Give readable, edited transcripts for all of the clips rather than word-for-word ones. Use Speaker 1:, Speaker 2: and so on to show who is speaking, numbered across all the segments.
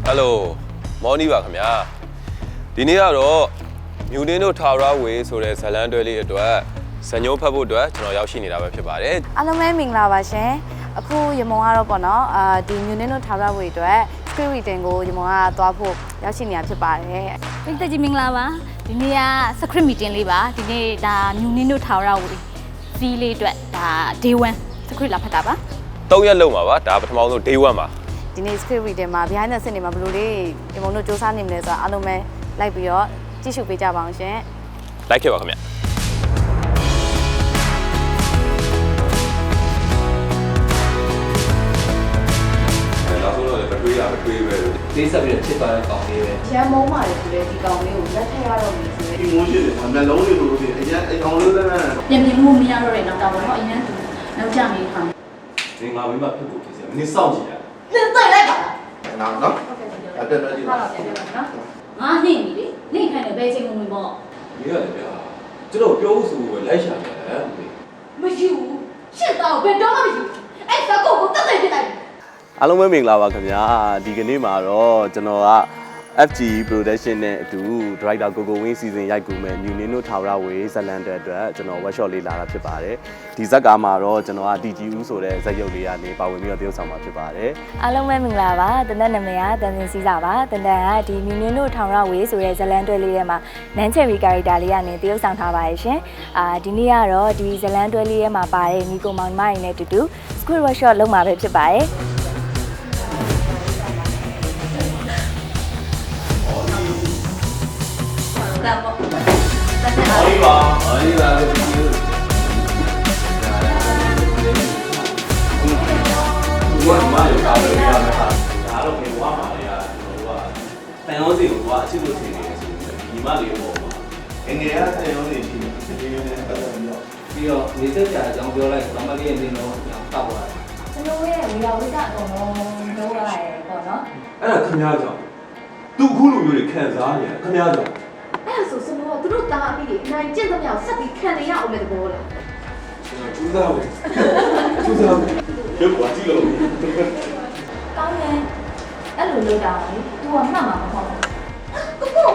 Speaker 1: Hello မော်နီပါခင်ဗျာဒီနေ့ကတော့မြူနင်းတို့ထာဝရဝေဆိုတဲ့ဇလန်းတွဲလေးအတွက်ဇညိုးဖတ်ဖို့အတွက်ကျွန်တော်ရောက်ရှိနေတာပဲဖြစ်ပါတယ်
Speaker 2: အားလုံးပဲမင်္ဂလာပါရှင်အခုရမုံကတော့ပေါ့နော်ဒီမြူနင်းတို့ထာဝရဝေအတွက် script reading ကိုရမုံကသွားဖို့ရောက်ရှိနေတာဖြစ်ပါတယ်
Speaker 3: ပိတ်သက်ကြီးမင်္ဂလာပါဒီနေ့က script meeting လေးပါဒီနေ့ဒါမြူနင်းတို့ထာဝရဝေ fee လေးအတွက်ဒါ day 1 script လာဖတ်တာပါ
Speaker 1: 3ရက်လုံးပါပါဒါပထမဆုံး day 1ပါ
Speaker 2: ဒီနေ့ script reading မှာ behind the scene တွေမှာဘယ်လိုလေးရမုံတို့စူးစမ်းနေမလဲဆိုတာအားလုံးပဲလိုက်ပြီးတော့ကြည့်ရှုပေးကြပါအောင်ရှင်
Speaker 1: လိုက်ခဲ့ပါခင်ဗျနောက်ဆုံးတော့ပထွေးရပထွေးပဲ
Speaker 4: တေးဆက်ပြီးချစ်သွားတဲ့ကောင်လေးပဲ
Speaker 2: ရမ်းမုန်းပါတယ်ဆိုတဲ့ဒီကောင်လေးကိုလက်ထက်ရတော့ပြီဆိုတဲ့
Speaker 5: ဒီမိုးရှိတယ်။နှလုံးလေးလိုလိုဖြစ်အရင်အကောင်လေးလည်း
Speaker 6: ပြင်ပြမှုမရတော့တဲ့နောက်တော့တော့အရင်ကနောက်ကျနေခံ
Speaker 4: ။ဒီငါမိမဖြစ်ဖို့ဖြစ်စရာမင်းစောင့်ကြည့်ရ
Speaker 6: ။နင်တိုက်လိုက်ပါလား
Speaker 5: ။နော်။အဲ့ဒါလည်းဒီမှာ
Speaker 6: ။ဟုတ်ပါပြန်ပြန်နော်။ငါနှိမ့်ပြီလေ။နှိမ့်ခိုင်းတယ်ဘယ်ချိန်ဝင်ပေါ့
Speaker 4: ။မင်းရတယ်ဗျာ။ကျွန်တော်ပြောဆိုပဲလိုက်ရှာကြတယ်မင်း
Speaker 6: ။မယူ။ရှစ်တော့ဘယ်တော့မှမယူ။အဲ့စကုတ်ကိုတက်တက်ပြလိုက်
Speaker 7: ။အားလုံးပဲမင်္ဂလာပါခင်ဗျာဒီကနေ့မှာတော့ကျွန်တော်က FG Production နဲ့အတူ Director ကိုကိုဝင်း Season ရိုက်ကူမယ်မြူနင်းတို့ထာဝရဝေဇလန်တဲ့အတွက်ကျွန်တော် workshop လေးလာတာဖြစ်ပါတယ်ဒီဇက်ကားမှာတော့ကျွန်တော်က DG ဦးဆိုတဲ့ဇက်ရုပ်လေးကနေပါဝင်ပြီးတော့တရုပ်ဆောင်မှာဖြစ်ပါတယ်
Speaker 2: အားလုံးပဲမင်္ဂလာပါတန်တဲ့နာမည်ကတန်စင်စီးစာပါတန်တဲ့ကဒီမြူနင်းတို့ထာဝရဝေဆိုတဲ့ဇလန်တွဲလေးထဲမှာနန်းချယ်ရီ character လေးကနေတရုပ်ဆောင်ထားပါတယ်ရှင်ဒီနေ့ကတော့ဒီဇလန်တွဲလေးထဲမှာပါတဲ့ညီကိုမောင်မရင်းနဲ့တူတူ script workshop လုပ်မှာပဲဖြစ်ပါတယ်
Speaker 4: အေးပါအေးပါလို့ပြောတယ်ဘုရားမလို့ကားလို့ရမှာဒါတော့ဘယ်ဘွားမှာလဲကျွန်တော်ကတန်ရောစီကိုကအချစ်လို့ထင်နေတယ်ဆိုပြီးဒီမလေးပေါ့ပါ
Speaker 5: ငငယ်ရတဲ့ရုံးနေရှိတယ်။ဒီရုံးနဲ့ပတ်သက်ပြီးတော့
Speaker 4: ပြီးတော့နေသက်ကြအကြောင်းပြောလိုက်သမလေးရဲ့နေတော့တောက်သွားတယ်
Speaker 6: ကျွန်တော်ရဲ့ဝီလာဝိကအကုန်လုံးပြောရတယ်ပေါ့နော်
Speaker 4: အဲ့ဒါခင်ဗျားကြောင့်သူအခုလိုမျိုးတွေခံစားနေခင်ဗျားကြောင့်
Speaker 6: အဲ့ဆိုစမောသူတို့တားပြီးအနိုင်ကျင့်သမျှဆက်ပြီးခံနေရအောင်လေတဘောလား
Speaker 4: ကျူးစားမယ်ကျူးစားမယ်ရုပ်ကကြည့်လို့
Speaker 6: ကောင်းတယ်အဲ့လိုလုပ်တာလေ तू ကမှတ်မှာမဟုတ်ဘူးကိုကို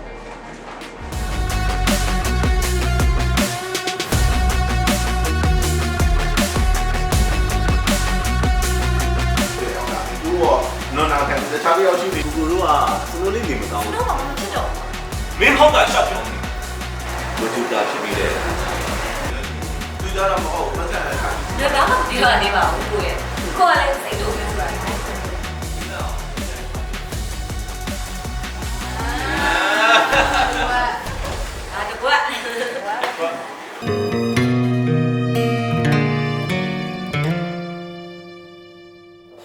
Speaker 5: နော်နာခံတခြားတယောက်ရှိတယ်
Speaker 7: ကိုတို့ကစနိုးလေးနေမကောင်းဘူး
Speaker 6: တော့မဖြစ်တော့
Speaker 4: မင်းဟောက်ကချက်ပြောနေ
Speaker 7: လူတူတာဖြစ်ပြီးတယ်
Speaker 5: သူကြတော့မဟုတ်ပတ်သက်တာ
Speaker 6: ဒါမှမပြောရသေးပါဘူးကိုရဲ့ကိုကလည်းစိတ်